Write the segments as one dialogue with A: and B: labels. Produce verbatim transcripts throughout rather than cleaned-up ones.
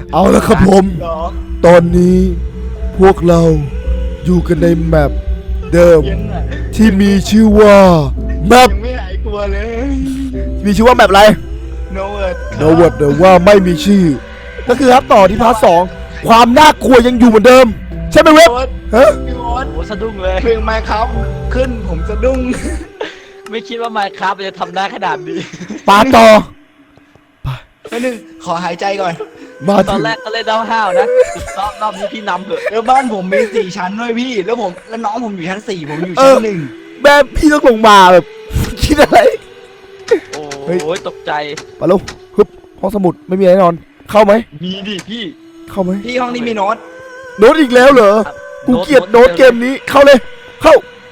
A: เอาละครับผมตอนนี้พวกเราอยู่กันในแมปเดิมที่มีชื่อว่าแมป
B: ไม่หายกลัวเลย
A: มีชื่อว่าแมปอะไร
B: No word
A: No word หรือว่าไม่มีชื่อก็คือครับต่อที่พาร์ทสองความน่ากลัวยังอยู่เหมือนเดิมใช่ไหมเว็บฮะ
B: พี่วอส
C: โอ้สะดุ้งเลย
B: เพลงไมค์ครับขึ้นผมสะดุ้ง
C: ไม่คิดว่าไมค์ครับจะทำได้ขนาดนี้
A: ปาต่อ
B: นิดนึงขอหายใจก่อน
A: มา
C: ตอ
A: ถึ
C: น
A: ง
C: แรกก็เล่นห้าวๆนะรอบรอบนี้พี่นำเถอะ
B: แล้วบ้านผมมีสี่ชั้นด้วยพี่ แล้วผมแล้วน้องผมอยู่ชั้นสี่ผมอยู่ชั้นหนึ่ง
A: แบบพี่ต้องลงมาแบบ คิดอะไร
C: โอ้ยตกใจ
A: มาลงฮึบห้องสมุดไม่มีอะไรแน่นอน เข้าไหม
C: มีดิพี่
A: เข้าไหม
B: พี่ห้องนี้มีโน้ต
A: โน้ตอีกแล้วเหรอกูเกลียดโน้ตเกมนี้เข้าเลยเข้า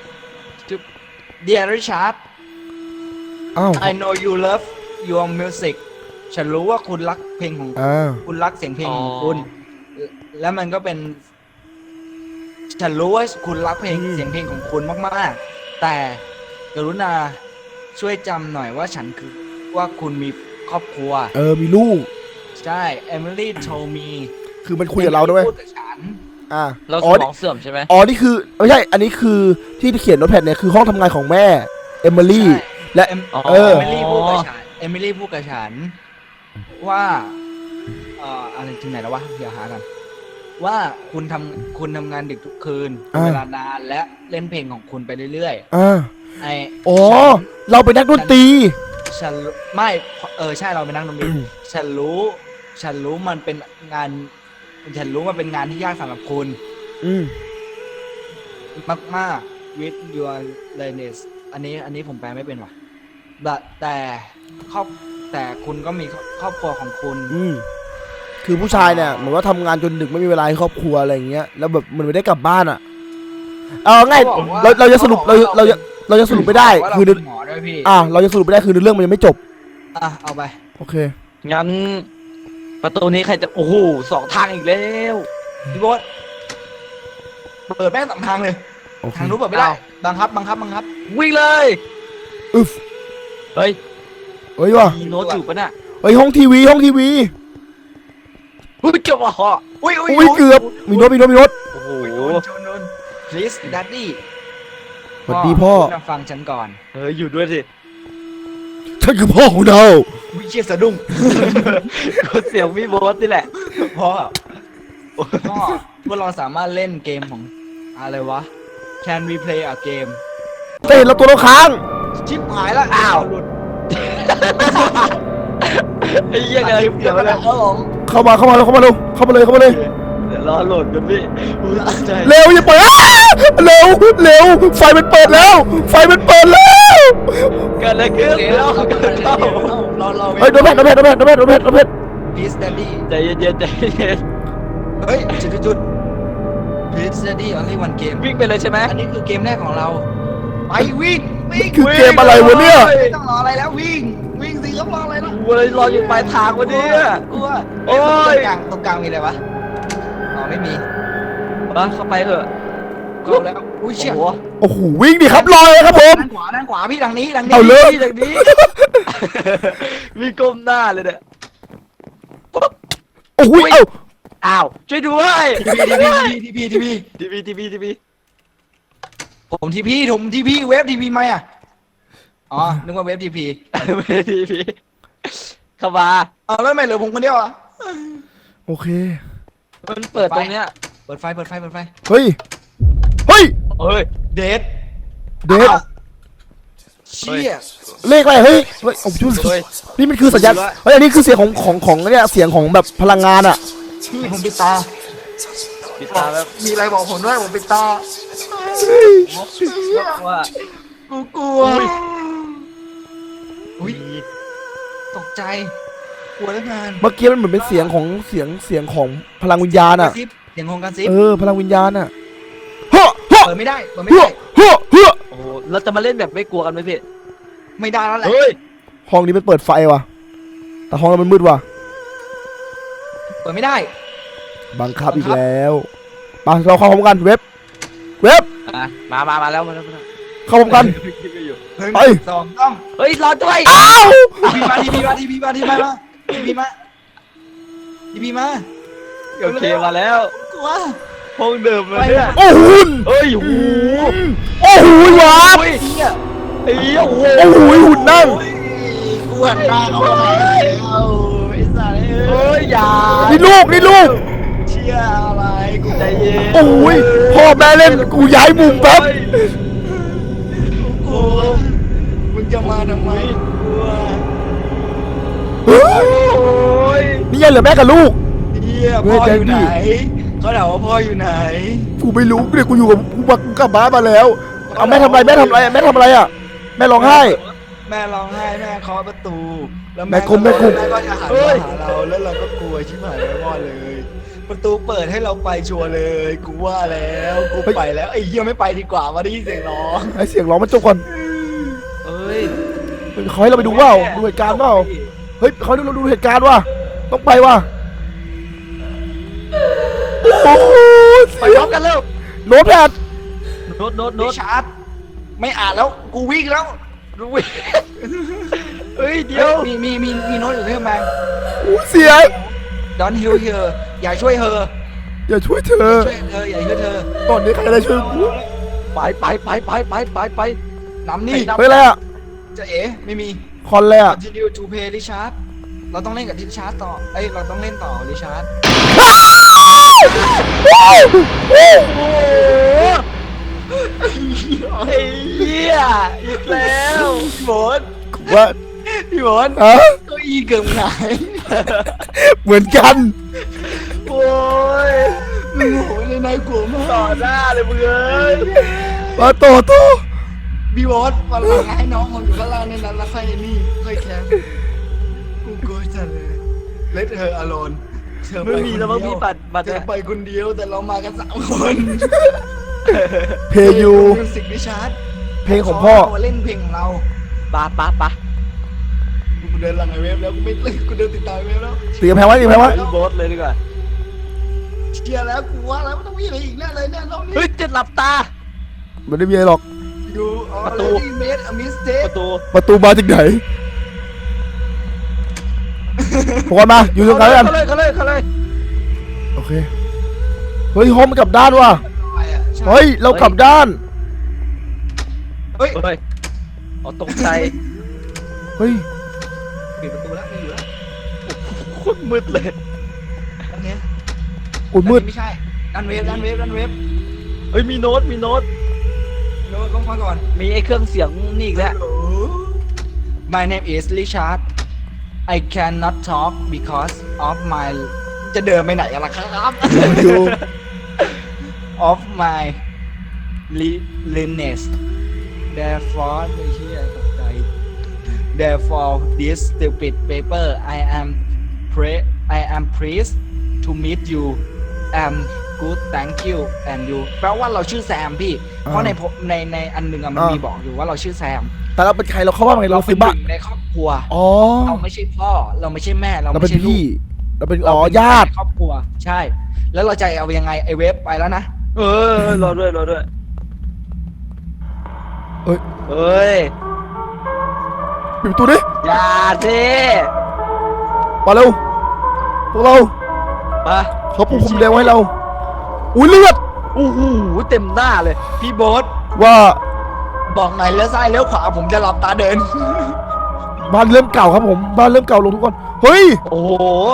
B: Dear Richard
A: อ้าว
B: I know you love your music ฉันรู้ว่าคุณรักเพลงของ
A: อ่า
B: คุณรักเสียงเพลงของคุณ แล้วมันก็เป็น ฉันรู้ว่าคุณรักเพลงเสียงเพลงของคุณมากๆ แต่กรุณาช่วยจำหน่อยว่าฉันคือว่าคุณมีครอบครัว
A: เออมีลูก
B: ใช่ Emily told me
A: คือมันคุยกับเราด้วย
B: พูดกับฉัน
A: อ่า
C: เราส
A: อ๋อ
C: มองเสื่อมใช่ไหม
A: อ๋อนี่คือไม่ใช่อันนี้คือที่เขียนโน้ตแพดเนี่ยคือห้องทำงานของแม่เอมิลี่
B: ใช่
A: และ
B: เอ็ม
A: เออ
B: เอมิลี่พูดกับฉันเอมิลี่พูดกับฉัน ว่าเอ่ออะไรถึงไหนแล้ววะเดี๋ยวหากันว่าคุณทำคุณทำงานดึกทุกคืนเป็นเวลานานและเล่นเพลงของคุณไปเรื่อย
A: อ่า
B: ๆไอ
A: อ๋อเราเป็นนักดนตรี
B: ฉันรู้ไม่เออใช่เราเป็นนักดนตรีฉันรู้ ฉันรู้มันเป็นงาน ฉันรู้มันเป็นงานที่ยากสำหรับคุณ
A: อืม
B: มากมาก with your laziness อันนี้อันนี้ผมแปลไม่เป็นว่ะแต่แต่ครอบแต่คุณก็มีครอบครัวของคุณ
A: อืมคือผู้ชายเนี่ยเหมือนว่าทำงานจนดึกไม่มีเวลาให้ครอบครัวอะไรอย่างเงี้ยแล้วแบบมันไม่ได้กลับบ้านอ่ะเอาง่าย
B: เขาบอกว่า
A: เราเราจะสรุปเรา
B: เขาบอกว่า
A: เราจะเราจะสรุปไม่ได้
B: ว่าเรา
A: คือ
B: เป็นหมอด้วยพี่
A: อ่าเราจะสรุปไม่ได้คือเรื่องมันยังไม่จบ
B: อ่ะเอาไป
A: โอเค
C: งั้นประตูนี้ใครจะโอ้โหสองทางอีกแล้ว
B: พี่โบ๊ทเปิดแม่งสองทางเลย
A: โอเค
B: ทางนู้นเปิดไม่ได้บังคับบังคับบังคับ
C: วิ่งเลย
A: อึฟ
C: เฮ้ย
A: เฮ้ยว่ะ
C: มีโน้ตอยู่ปะน่ะ
A: เฮ้ยห้องทีวีห้องทีวี
C: เฮ้ยเจ้าว่าเหาะ
B: อุ้ยอุ้ย
A: อุ้ยเกือบมีโน้ตมีโน้ตมีโน้ต
C: โอ้โห
B: โดนโดนโดน please daddy
A: สวัสดีพ่อ
B: คุณฟังฉันก่อน
C: เฮ้ยอยู่ด้วยสิ
A: ฉันคือพ่อของเรา
B: วิเชียสะดุ้ง
C: ก็เสียงพี่โบ๊ทนี่แหละ
B: พ่อพ่อพวกเราสามารถเล่นเกมของอะไรวะ Can we play a game
A: แต่เห็นเราตัวเราค้าง
B: ชิปหายแล้วอ้าวหลุด
C: ไอ้เหี้ยอะไรเดี๋ยว
B: แล้ว
C: นะ
B: เออผม
A: เข้ามาเข้ามาแล้วเข้ามาเร็วเข้ามาเลยเข้ามาเลย
C: เดี๋ยวรอโหลดกันพี่อุ้ยตกใจ
A: เร็วอย่าเปิดอ้าเร็วเร็วไฟมันเปิดแล้ว ไฟมันเปิดแล้ว
C: เกิดอะไรขึ้น
B: เดี๋ยว
C: เล่า
B: เรา
C: เกิด
B: เรา
C: เล่า
B: เราเรา
A: เฮ้ยโดนแพทโดนแพทโดนแพทโดนแพทโดนแพทโดนแพท
B: please daddy
C: ใจเย็นๆใจเย็น
B: เฮ้ยจุดจุด please daddy only one game
C: วิ่งไปเลยใช่ไหม
B: อันนี้คือเกมแรกของเรา ไปวิ่งวิ่ง
A: คือเกมอะไรวะเนี่ย
B: ไม่ต้องรออะไรแล้ววิ่ง วิ่งสิครับรออะไรล่ะ
C: กูเลยรออยู่ปลายทางวันนี้
B: กลัว
C: โอ้
B: ตรง
C: ย
B: กลางตรงกลางมีอะไรวะอ๋อไม่มี
C: มาเข้าไปเถอะ
B: ก็แล้วอุ้ย
C: โอ้
B: เชี่ย
C: โห
A: โอ้โหวิ่งดิครับลอยเลยครับผม
B: ด้านขวาด้านขวาพี่ทางนี้ทางนี้
A: เอาเลย
C: จากนี้ มีก้มหน้าเลยเนี่ย
A: โอ้โหเอ้า
C: อ้าวช่วยด้วย
B: ทีพีทีพีทีพีทีพี
C: ทีวีทีวีทีวี
B: ผมทีพีผมทีพีเว็บทีพีไหมอ่ะอ๋อนึกว่าเว็บทีพี
C: ไม่ทีวีเข้ามา
B: เอาแล้วทำไม่เหลือผมคนเดียวอ่ะ
A: โอเค
C: มันเปิดตรงเนี้ย
B: เปิดไฟเปิดไฟเปิดไฟ
A: เฮ้ยเฮ้ย
C: เฮ้ย
B: เดท
A: เดท
B: เชี่ย
A: เลขอะไรเฮ้ยเฮ้ยโอ้โห
C: เฮ้ย
A: นี่มันคือสัญญาณเฮ้ยอันนี้คือเสียงของของของเนี่ยเสียงของแบบพลังงานอ่ะ
B: พี่ผมปิดตา
C: ปิดตาแล้ว
B: มีอะไรบอกผมด้วยผมปิดตา
C: ว่า
B: กูกลัวอุ้ยตกใจกลัวเหลือเกิน
A: เมื่อกี้มันเหมือนเป็นเสียงของเสียงเสียงของพลังวิญญาณ
B: กระ
A: อ่ะ
B: ซิบเสียงของกระซิบ
A: เออพลังวิญญาณอ่ะเฮ้อเฮ้อ
B: เปิดไม่ได้เปิดไม่
A: เฮ้อ
B: ได้
A: เฮ้อเฮ้อ
C: โอ้โหเราจะมาเล่นแบบไม่กลัวกันไหมพี่
B: ไม่ได้แล้วแหละ
C: เฮ้ย
A: ห้องนี้มันเปิดไฟว่ะแต่ห้องเรามันมืดว่ะ
B: เปิดไม่ได้
A: บังคับอีกแล้วไปเราเข้าพร้อมกันเว็บเว็บ
C: อ่ะมามามาแล้วมาแล้วมาแล้ว
A: เข้าพร้อมกัน
B: หนึ่ง
A: ไป
B: สองต้อง
C: เฮ้ยรอด้วย
A: อ้าว
B: ทีพีมาทีพีมาทีพีมาทีพีมาทีพีมาทีพีมา
C: โอเคมาแล้ว
B: กลัว
C: ห้องเดิมเลยเนี่ย
A: โอ้โห
C: เฮ้ยโอ้โห
A: โอ้โหวาร์ป
C: เฮ้ยไอ้เหี้ยโอ้โห
A: โอ้โหหุ่นนั่ง
B: กวนตาเขาไปแล้วไอ้สัตว์
C: เฮ้ยอย่า
A: นี่ลูกนี่ลูก
B: เชี่ยอะไรกู
C: ใจเย็น
A: โอ้ยพ่อแม่เล่นกูย้ายมุมแป๊บ
B: กูมึงจะมาทำไมกลัว
A: เฮ้ย
C: โอ้ย
A: นี่ยังเหลือแม่กับลูก
B: เฮียพ่ออยู่ไหนเขาถามว่าพ่ออยู่ไหน
A: กูไม่รู้เนี่ยกูอยู่กับกูมากูกลับบ้านมาแล้วเอาแม่ทำอะไรแม่ทำอะไรแม่ทำอะไรอ่ะแม่ร้องไห้
B: แม่ร้องไห้แม่เคาะประตูแล้ว
A: แม่กุมแม่กุม
B: แม่ก็จะหันมาหาเราแล้วเราก็กลัวชิบหายแล้วอดเลย ประตูเปิดให้เราไปชัวร์เลยกูว่าแล้วกูไปแล้วไอ้เหี้ยไม่ไปดีกว่ามาได้ยินเสียงร้อง
A: ไอเสียงร้องมันจบก่อน
C: เอ้ย
A: เขาให้เราไปดูว่าดูเหตุการณ์เปล่าเฮ้ยเขาให้เราดูเหตุการณ์ว่ะต้องไปว่ะโอ้โห
C: ไปพร้อมกันเร็ว
A: โน้ตแพด
C: โน้ตโน้ต
B: โน้
C: โน้
B: ต
C: ต
B: ชาร์จไม่อ่านแล้วกูวิ่งแล้วกูวิ่ง
C: เฮ้ยเดี๋ยว
B: มีมีมีมีโน้ตอยู่ที่กำแพง
A: โอ้เสีย
B: Don't help her อย่าช่วยเธอ
A: อย่าช่วยเธอ
B: ช่วยเธออย่าช่วยเธอ
A: ตอนนี้ใครได้ช่วยกู
C: ไปไปไปไปไปไปไป
B: นำนี่
A: เฮ้ยอะไรอ่ะ
B: จะเอ๋ไม่มี
A: คอนเลยอ่ะ
B: continue to play Richard เราต้องเล่นกับริชาร์ดต่อเอ้ยเราต้องเล่นต่อริชาร์ด
A: โอ้โห
C: โอ้โหไอ้เหี้ยอีกแล้ว
B: พี่บด
A: ว่า
B: พี่บด
A: อะ
B: เก้าอี้เกือบหงาย
A: เหมือนกัน
C: โอ้ย
B: มึงโหเลยนายกลัวมาก
C: ต่อหน้าเลยมึงเอ้ย
A: มาต่อต่อ
B: พี่บดวันหลังให้น้องผมอยู่ข้างล่างในนั้นแล้วค่อยนี่ค่อยแคมกูกลัวจังเลย Let her alone เธอไป
C: ไม่มีแล้วมั้งพี่ปัดปัด
B: เธอไปคนเดียวแต่เรามากันสามคน
A: เพลงยู
B: มิวสิกริชาร์ด
A: เพลงของพ่อ
B: เล่นเพลงของเรา
C: ปะปะปะ
B: กูเดินหลังไอเวฟแล้วกูไม่เล่นกูเดินติดตามไอเวฟแล้ว
A: ตีกำแพงไว้ตีกำแพงไว้
C: พี่โบสเลยดีกว่า
B: เชียร์แล้วกูว่าแล้วมันต้องมีอะไรอีกแน่เลยเนี่ยรอบนี้
C: เฮ้ยจะหลับตา
A: มันไม่มีอะไรหรอก
B: อยู่อ๋อ
C: ประตู
B: เลดี้เมดอมิสเต
C: ประตู
A: ประตูมาจากไหนพวกกันมาอยู่ตรงกลางกัน
C: เขาเลยเขาเลยเขาเลย
A: โอเคเฮ้ยห้องมันกลับด้านว่ะ
B: ใช่
A: เฮ้ยเรากลับด้าน
B: เฮ้ย
C: เฮ้ยอ๋อตกใจ
A: เฮ้ย
B: ปิดประตูแล้วไม่อยู่แล้ว
C: โคตรมืดเลย
B: อันเนี้ย
A: โอ้ยมืด
B: อันนี้ไม่ใช่ดันเวฟดันเวฟดันเวฟ
C: เฮ้ยมีโน้ตมีโน้ต
B: โน้ตต้องฟังก่อน
C: มีไอ้เครื่องเสียงนี่อีกแล้ว
B: My name is Richard I cannot talk because of my จะเดินไปไหนกันล่ะครับ
A: อยู่
B: of my illness therefore ไม่เชื่อตกใจ therefore this stupid paper I am pre I am pleased to meet you am good thank you and you แปลว่าเราชื่อแซมพี่ เพราะในพในในอันหนึ่งอะมันมีบอกอยู่ว่าเราชื่อแซม
A: แต่เราเป็นใครเราเข้าบ้านไงเรา
B: เป็
A: ซื้
B: น
A: อ
B: ห
A: บ้าน
B: นึ่งในครอบครัว
A: อ๋อ
B: เราไม่ใช่พ่อ เราไม่ใช่แม่ เรา
A: เรา
B: ไม่
A: เป็น
B: ใช่ลู
A: พี่
B: ก
A: เราเป็น
B: เรา
A: อ๋อ
B: เป็น
A: ญาติ
B: ในครอบครัว ใช่ แล้วเราจะเอายังไงไอเวฟไปแล้วนะ
C: เออรอด้วยรอด้วย
A: เอ้ย
C: เฮ้ย
A: ปิดประตูดิ
C: อย่าสิ
A: มาเร็วพวกเรา
C: มา
A: เขาปูพรมแดงไว้ให้เราอุ้ยเลือด
C: โอ้โหเต็มหน้าเลย
B: พี่โบ๊ท
A: ว่า
B: บอกไหนอยเลี้ยวซ้ายเลี้ยวขวาผมจะหลับตาเดิน
A: บ้านเริ่มเก่าครับผมบ้านเริ่มเก่าลงทุกคนเฮ้ย
C: โอ้โห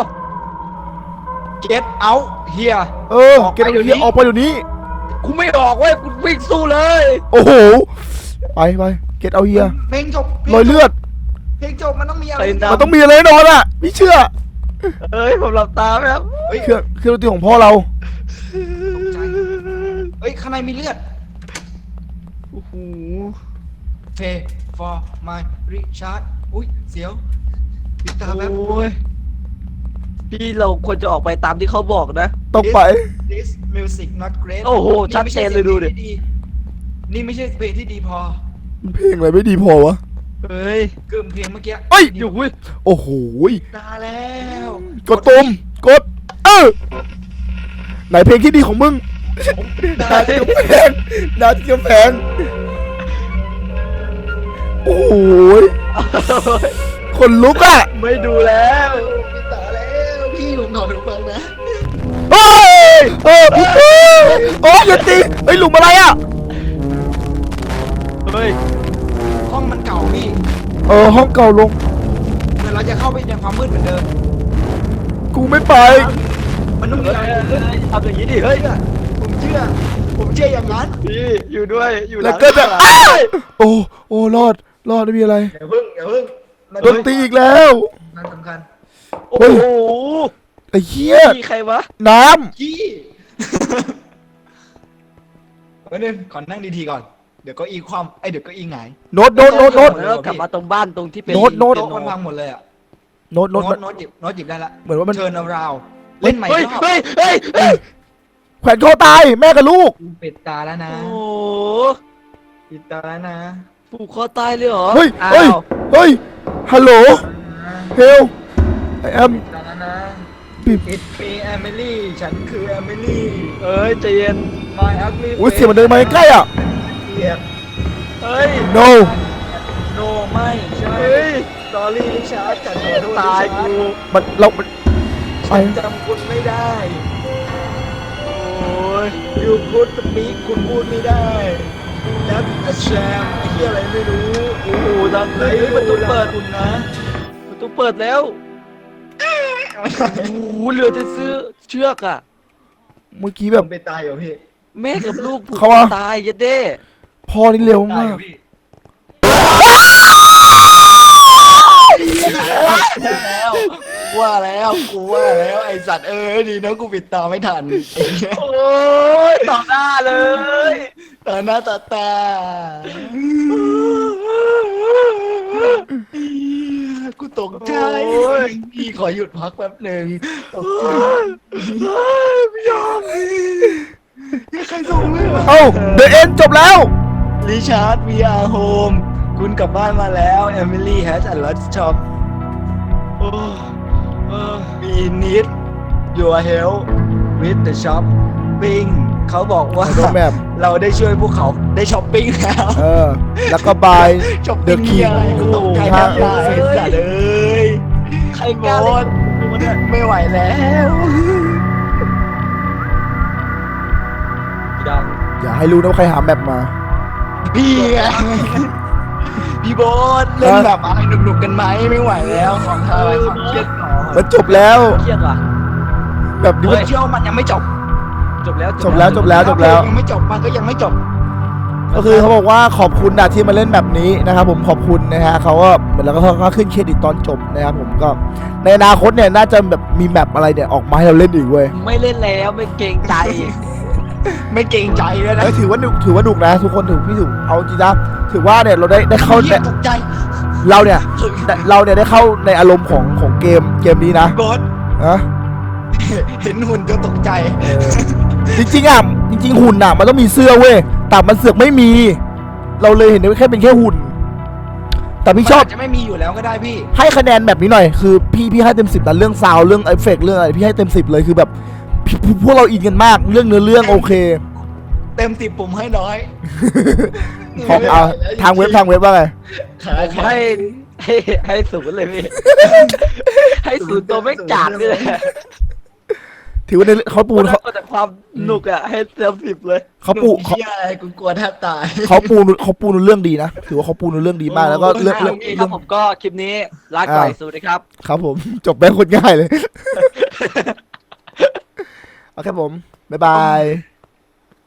B: get out here
A: เออ
B: ออกไป
A: เกต
B: เดี๋ยวนี้
A: เฮียออกไปเดี๋ยวนี้
C: กูไม่ออกเว้ยกูวิ่งสู้เลย
A: โอ้โหไปไปเกตเอาเฮีย
B: เพลงจบ
A: รอยเลือด
B: เพลงจบมันต้องมีอะไร
C: ไป
A: มันต้องมีอะไรแน่นอนอ่ะพี่เชื่อ
C: เอ้ยผมหลับตาไหมครับ
B: เฮ้ย
A: เครื่องเครื่องดนตรีของพ่อเรา
B: ตกใจเฮ้ย ข้างในมีเลือด
C: โอ้โห
B: Pay for my Richard อุ้ย เสียวปิดตาแป๊บ
C: โอ้ยพี่เราควรจะออกไปตามที่เขาบอกนะ
A: ต้องไป
B: This music not great
C: โอ้โหชัดเจนเลยดูดิ
B: นี่ไม่ใช่เพลงที่ดีพอ
A: เพลงอะไรไม่ดีพอวะ
C: เฮ้ย
B: เกิมเพลงเมื่อกี้
A: เอ้ย
C: อยู่เว้ย
A: โอ้โห
B: ตาแล้ว
A: กดตุ่มกดเออไหนเพลงที่ดีของมึงดาที่กำแพงดาที่กำแพงโอ้โหคนลุกอ่ะ
C: ไม่ดูแล้ว
B: ปิดตาแล้วพี่ผมนอนไปฟังนะ
A: เอฮ้ยเออเฮ้ยโอ้ยอย่าตีเฮ้ยหลุมอะไรอ่ะ
C: เฮ้ย
B: ห้องมันเก่าพี่
A: เออห้องเก่าลง
B: เดี๋ยวเราจะเข้าไปในความมืดเหมือนเดิม
A: กูไม่ไป
B: มันต้องมี
C: เฮ้ย
B: อะไร
C: เฮ้ยทำอย่างนี้ดิเฮ้ย
B: ผมเชื่อ ผมเชื่ออย่างนั้น
C: พี่อยู่ด้วยอยู่ห
A: แล้
C: ลั
A: ว
C: ง
A: ก็จะ
C: หลัง
A: อ้าวโอ้โอ้รอดรอดไม่มีอะไร
B: อย่าพึ่งอย่าพึ่งมัน
A: โดนตีอีกแล้ว
B: มันสำคัญ
C: โอ้
A: เฮ้ย
C: โห
A: ไอ้เหี้ย
C: พี่ใครวะ
A: น้
B: ขี้ เดี๋ยวนึงขอนั่งดีๆก่อน เดี๋ยวก็อีความไอยเดี๋ยวก็อีหงาย
A: ำโน้ตโน้ตโน้ตโน้ต
C: แล้วกลับมาตรงบ้านตรงที่เป็น
A: โน้ตโน้ต
B: โต๊ะมันพังหมดเลยอ่ะ
A: โน้ตโน้
B: โน้
A: ต
B: ตโน้ตหยิบโน้ตหยิบได้ละ
A: เหมือนว่ามัน
B: เชิญเอาราวเล่นใหม่
C: เฮ้ย
B: รอบ
C: เฮ้ยเฮ้ยเฮ้ย
A: แขวนคอตายแม่กับลูก
B: ปิดตาแล้วนะ
C: โอ้โห
B: ปิดตาแล้วนะ
C: ผูกคอตายเลยเหรอ
A: เฮ้ย
C: อ้า
A: เฮ้ยว เฮ้ยฮัลโหลเฮลไอแอม
B: ปิดตาแล้วนะ
A: ปิด
B: It's me Emily ฉันคือ Emily
C: เอ้ยใจเย็น
B: My ugly
A: อุ้ยเสียงมันเดินมาใกล้ๆอ่ะ
B: เกียบ
C: เฮ้ย
A: no
B: No ไม่ใช่
C: เฮ้ย
B: Sorry ลิชาร์ดฉันขอโทษ
C: ตาย
B: ลิชา
C: กู
B: ร์ด
A: มันเรามันไป
B: ฉันจำคุณไม่ได้
C: โอ้ย
B: You could speak คุณพูดไม่ได้ That's a sham ไอ้เหี้ยอะไรไม่รู้
C: โอ้โหดังเล
B: เลยย
C: ประตูเปิด
B: คุณนะ
C: ประตูเปิดแล้วโอ้โหเหลือแต่เสื้อเชือกอะ
A: เมื่อกี้
B: ผ
A: แบบ
B: มไปตายเหรอพี่
C: แม่กับลูกผูก
A: เขา
C: คอ
A: ว่า
C: ตายยัดเด้
A: พ่อนี่เร็ว
B: ตาย
A: มา
B: เหร
A: ก
B: อพี่แล้วว่าแล้วกูว่าแล้วไอสัตว์เอ้ยดีนะกูปิดตาไม่ทัน
C: โอ้ยต่อหน้าเลย
B: ตาหน้าตาตากูตกใจพี่ขอหยุดพักแป๊บหนึ่งตกใจไม่ยอมพี่ใครส่งเลยเหรอ
A: เอ้าเดอะเอ็นจบแล้ว
B: ริชาร์ด we are home คุณกลับบ้านมาแล้ว Emily has a lot shop โอ้เออ we need your help with the shopping เขาบอกว่า
A: โดนแบบ
B: เราได้ช่วยพวกเขาได้ช้อปปิ้งแล้ว
A: เออ แล้วก็บาย
B: ช้อป
A: The
B: ปิ้ง
A: King
B: อะไรกูตกใจแทบตายสัตว์เอ้ย
C: ใครกล้าเล่นกับกูเนี่ย
B: ไม่ไหวแล้ว
C: ดัง
A: อย่าให้รู้นะว่าใครหาแมปมา
B: พี่ไงพี่โบ๊ทเล่นแบบอะไรหนุกๆกันไหมไม่ไหวแล้วของเธอของเครียดก่อน
A: มันจบแล้ว
C: เครียดว่ะ
A: แบบนี้
B: เฮ้
A: มั
B: ย
A: น
B: เชื่อว่ามันยังไม่จบ
C: จบแล้ว
A: จบแล้วจบแล้วจบแล้ว
B: ยังไม่จบมันก็ยังไม่จบ
A: ก็คือเขาบอกว่าขอบคุณนะที่มาเล่นแบบนี้นะครับผมขอบคุณนะฮะเขาก็เหมือนแล้วก็เขาก็ขึ้นเครดิตตอนจบนะครับผมก็ในอนาคตเนี่ยน่าจะแบบมีแมปอะไรเนี่ยออกมาให้เราเล่นอีกเว้ย
C: ไม่เล่นแล้วไม่เกรงใจ
B: ไม่เกรงใจเลยนะ
A: เอ้ยถือว่าหนุกถือว่าหนุกนะ ทุกคนถือพี่ถือเอาจริงนะถือว่าเนี่ยเราได้ได้เข้า
B: เหี้ยตกใจ
A: เราเนี่ยเราเนี่ยได้เข้าในอารมณ์ของของเกมเกมนี้นะ
B: โบ๊ท
A: นะ
B: เห็นหุ่นก็ตกใจ
A: จริงๆอ่ะจริงๆหุ่นอ่ะมันต้องมีเสื้อเว้ยแต่มันเสือกไม่มี เราเลยเห็นว่าแค่เป็นแค่หุ่น แต่พี่ชอบ
B: มันาจจะไม่มีอยู่แล้วก็ได้พี่
A: ให้คะแนนแบบนี้หน่อยคือพี่พี่ให้เต็มสิบนะเรื่องซาวด์เรื่องเอฟเฟกต์เรื่องอะไรพี่ให้เต็มสิบเลยคือแบบพี่พวกเราอินกันมากเรื่องเนื้อเรื่องโอเค
B: เต็มสิบผมให้น้อย
A: ขอเอาทางเว็บทางเว็บว่าไง
C: ผมให้ให้ให้ศูนย์เลยพี่ ให้ศูนย์ตัวไม่กากนี่แหละ
A: ถือว่าในเขาปู
C: ปู
A: นเขา
C: แต่ความหนุกอ่ะให้เต็มสิบเลย
A: เขาปู
B: หนุ่ม
A: เขา
B: เหี้ยอะไรกูกลัวแทบตาย
A: เขาปูเขาปูนเรื่องดีนะถือว่าเขาปูนเรื่องดีมากแล้วก็เรื่อง
C: โอ
A: เรื่อง
C: เคครับผมก็คลิปนี้ลาก่อยสวัสดีครับ
A: ครับผมจบไปคนง่ายเลย โอเคผมบ๊ายบาย